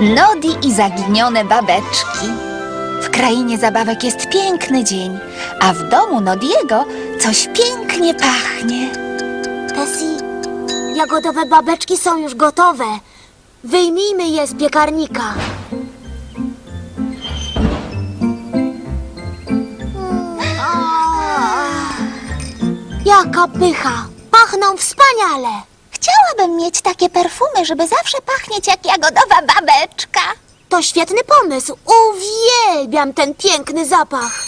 Nodi i zaginione babeczki. W krainie zabawek jest piękny dzień, a w domu Nodiego coś pięknie pachnie. Tessie, jagodowe babeczki są już gotowe. Wyjmijmy je z piekarnika. Jaka pycha! Pachną wspaniale! Chciałabym mieć takie perfumy, żeby zawsze pachnieć jak jagodowa babeczka. To świetny pomysł! Uwielbiam ten piękny zapach!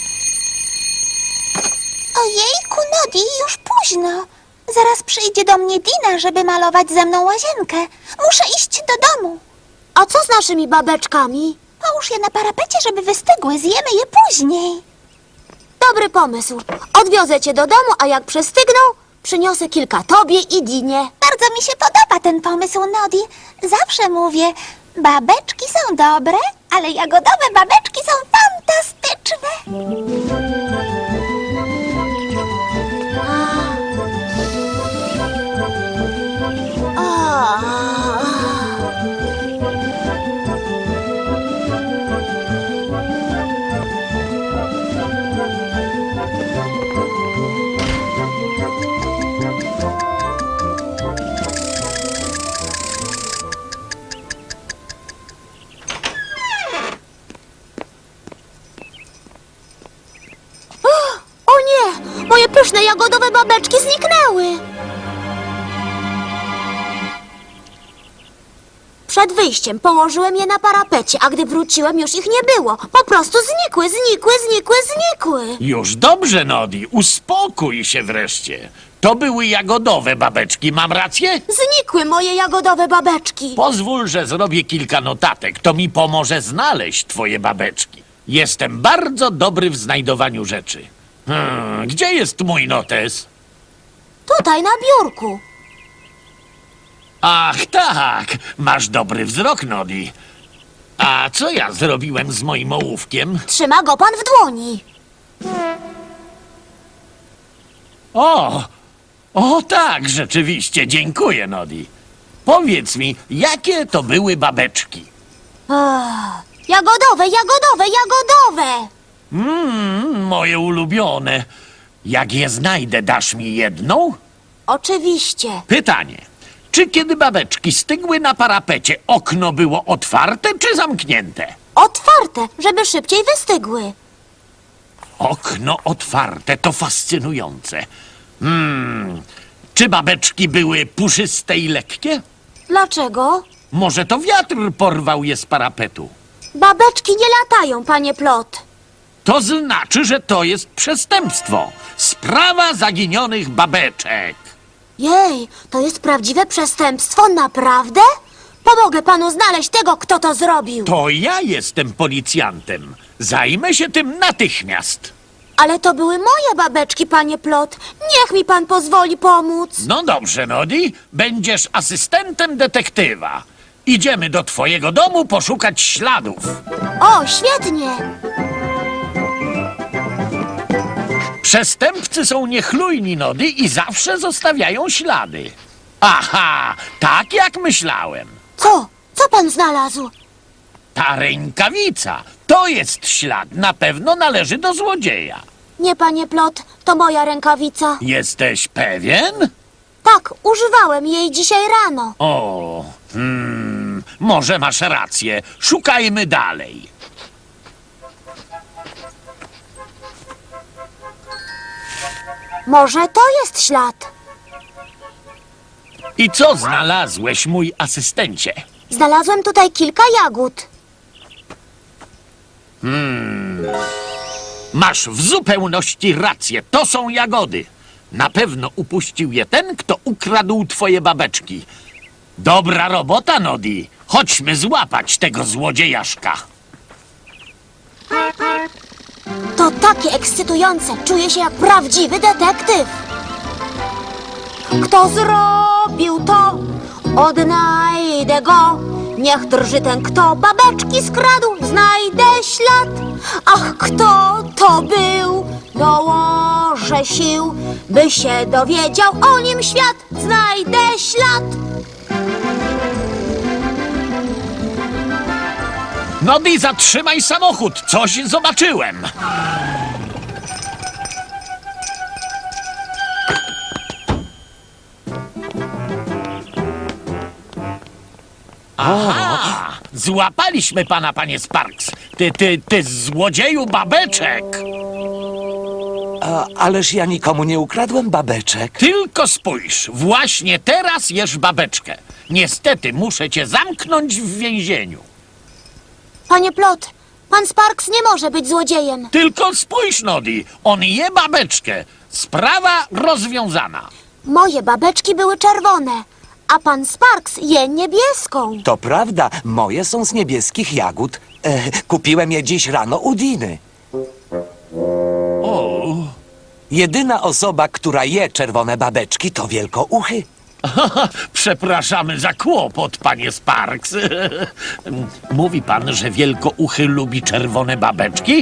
Ojejku, Nodi, już późno. Zaraz przyjdzie do mnie Dina, żeby malować ze mną łazienkę. Muszę iść do domu. A co z naszymi babeczkami? Połóż je na parapecie, żeby wystygły. Zjemy je później. Dobry pomysł. Odwiozę cię do domu, a jak przestygną, przyniosę kilka tobie i Dinie. Bardzo mi się podoba ten pomysł, Nodi. Zawsze mówię, babeczki są dobre, ale jagodowe babeczki są fantastyczne. O nie! Moje pyszne jagodowe babeczki zniknęły! Przed wyjściem położyłem je na parapecie, a gdy wróciłem, już ich nie było. Po prostu znikły. Już dobrze, Nodi, uspokój się wreszcie. To były jagodowe babeczki, mam rację? Znikły moje jagodowe babeczki. Pozwól, że zrobię kilka notatek. To mi pomoże znaleźć twoje babeczki. Jestem bardzo dobry w znajdowaniu rzeczy. Gdzie jest mój notes? Tutaj na biurku. Ach, tak, masz dobry wzrok, Nodi. A co ja zrobiłem z moim ołówkiem? Trzyma go pan w dłoni. O tak, rzeczywiście, dziękuję, Nodi. Powiedz mi, jakie to były babeczki? Jagodowe! Moje ulubione. Jak je znajdę, dasz mi jedną? Oczywiście. Pytanie. Czy kiedy babeczki stygły na parapecie, okno było otwarte czy zamknięte? Otwarte, żeby szybciej wystygły. Okno otwarte, to fascynujące. Czy babeczki były puszyste i lekkie? Dlaczego? Może to wiatr porwał je z parapetu? Babeczki nie latają, panie Plot. To znaczy, że to jest przestępstwo. Sprawa zaginionych babeczek. Jej, to jest prawdziwe przestępstwo, naprawdę? Pomogę panu znaleźć tego, kto to zrobił. To ja jestem policjantem. Zajmę się tym natychmiast. Ale to były moje babeczki, panie Plot. Niech mi pan pozwoli pomóc. No dobrze, Nodi, będziesz asystentem detektywa. Idziemy do twojego domu poszukać śladów. O, świetnie. Przestępcy są niechlujni, Nodi, i zawsze zostawiają ślady. Aha, tak jak myślałem. Co? Co pan znalazł? Ta rękawica, to jest ślad, na pewno należy do złodzieja. Nie, panie Plot, to moja rękawica. Jesteś pewien? Tak, używałem jej dzisiaj rano. Może masz rację. Szukajmy dalej. Może to jest ślad. I co znalazłeś, mój asystencie? Znalazłem tutaj kilka jagód. Masz w zupełności rację. To są jagody. Na pewno upuścił je ten, kto ukradł twoje babeczki. Dobra robota, Nodi. Chodźmy złapać tego złodziejaszka. To takie ekscytujące. Czuję się jak prawdziwy detektyw. Kto zrobił to? Odnajdę go. Niech drży ten, kto babeczki skradł. Znajdę ślad. Ach, kto to był? Dołożę sił, by się dowiedział o nim świat. Znajdę ślad. Nodi, zatrzymaj samochód! Coś zobaczyłem! Aha! Złapaliśmy pana, panie Sparks! Ty złodzieju babeczek! Ależ ja nikomu nie ukradłem babeczek. Tylko spójrz, właśnie teraz jesz babeczkę. Niestety muszę cię zamknąć w więzieniu. Panie Plot, pan Sparks nie może być złodziejem. Tylko spójrz, Nodi, on je babeczkę. Sprawa rozwiązana. Moje babeczki były czerwone, a pan Sparks je niebieską. To prawda, moje są z niebieskich jagód. Kupiłem je dziś rano u Diny. O, Jedyna osoba, która je czerwone babeczki, to wielkouchy. przepraszamy za kłopot, panie Sparks. Mówi pan, że wielkouchy lubi czerwone babeczki?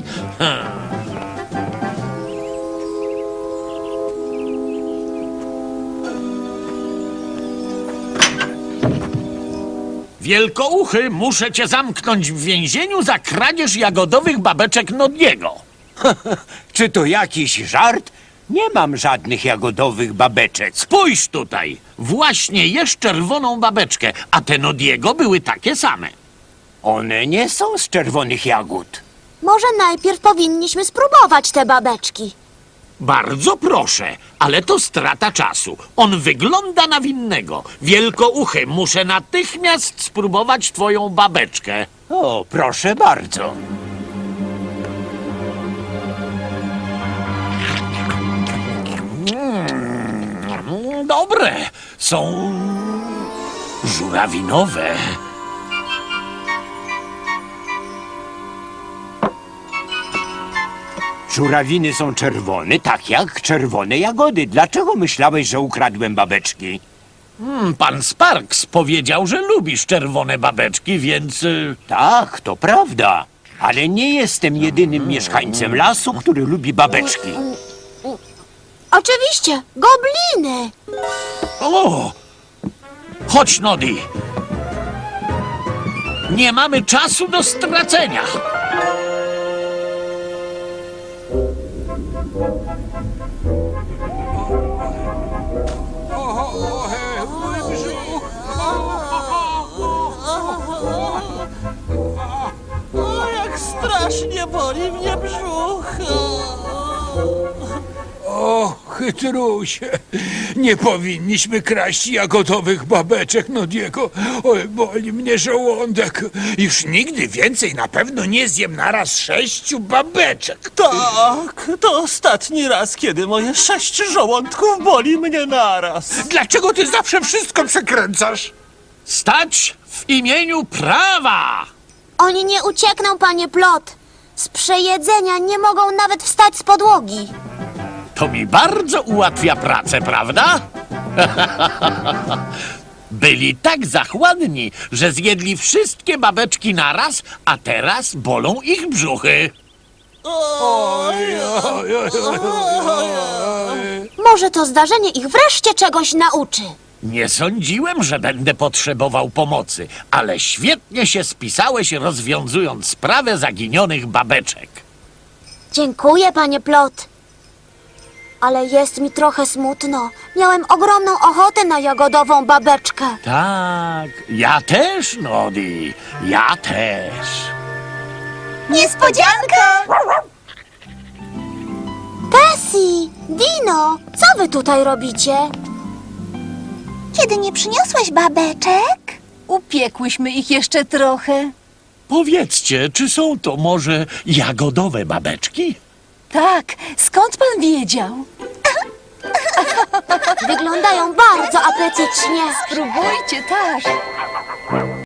Wielkouchy, muszę cię zamknąć w więzieniu za kradzież jagodowych babeczek Nodiego. Czy to jakiś żart? Nie mam żadnych jagodowych babeczek. Spójrz tutaj, właśnie jesz czerwoną babeczkę, a te Nodiego były takie same. One nie są z czerwonych jagód. Może najpierw powinniśmy spróbować te babeczki. Bardzo proszę, ale to strata czasu. On wygląda na winnego. Wielkouchy, muszę natychmiast spróbować twoją babeczkę. O, proszę bardzo. Dobre, są żurawinowe. Żurawiny są czerwone, tak jak czerwone jagody. Dlaczego myślałeś, że ukradłem babeczki? Pan Sparks powiedział, że lubisz czerwone babeczki, więc... Tak, to prawda. Ale nie jestem jedynym mieszkańcem lasu, który lubi babeczki. Oczywiście, gobliny. O! Chodź, Nodi. Nie mamy czasu do stracenia. Jak strasznie boli mnie brzuch. O, chytrusie, nie powinniśmy kraść jagodowych babeczek Nodiego. Oj, boli mnie żołądek. Już nigdy więcej na pewno nie zjem naraz 6 babeczek. Tak, to ostatni raz, kiedy moje 6 żołądków boli mnie naraz. Dlaczego ty zawsze wszystko przekręcasz? Stać w imieniu prawa! Oni nie uciekną, panie Plot. Z przejedzenia nie mogą nawet wstać z podłogi. To mi bardzo ułatwia pracę, prawda? Byli tak zachładni, że zjedli wszystkie babeczki naraz, a teraz bolą ich brzuchy. Oj, oj, oj, oj, oj. Może to zdarzenie ich wreszcie czegoś nauczy. Nie sądziłem, że będę potrzebował pomocy, ale świetnie się spisałeś, rozwiązując sprawę zaginionych babeczek. Dziękuję, panie Plot. Ale jest mi trochę smutno. Miałem ogromną ochotę na jagodową babeczkę. Tak, ja też, Nodi, ja też. Niespodzianka! Tessie, Dino, co wy tutaj robicie? Kiedy nie przyniosłaś babeczek? Upiekłyśmy ich jeszcze trochę. Powiedzcie, czy są to może jagodowe babeczki? Tak, skąd pan wiedział? Wyglądają bardzo apetycznie. Spróbujcie, tak.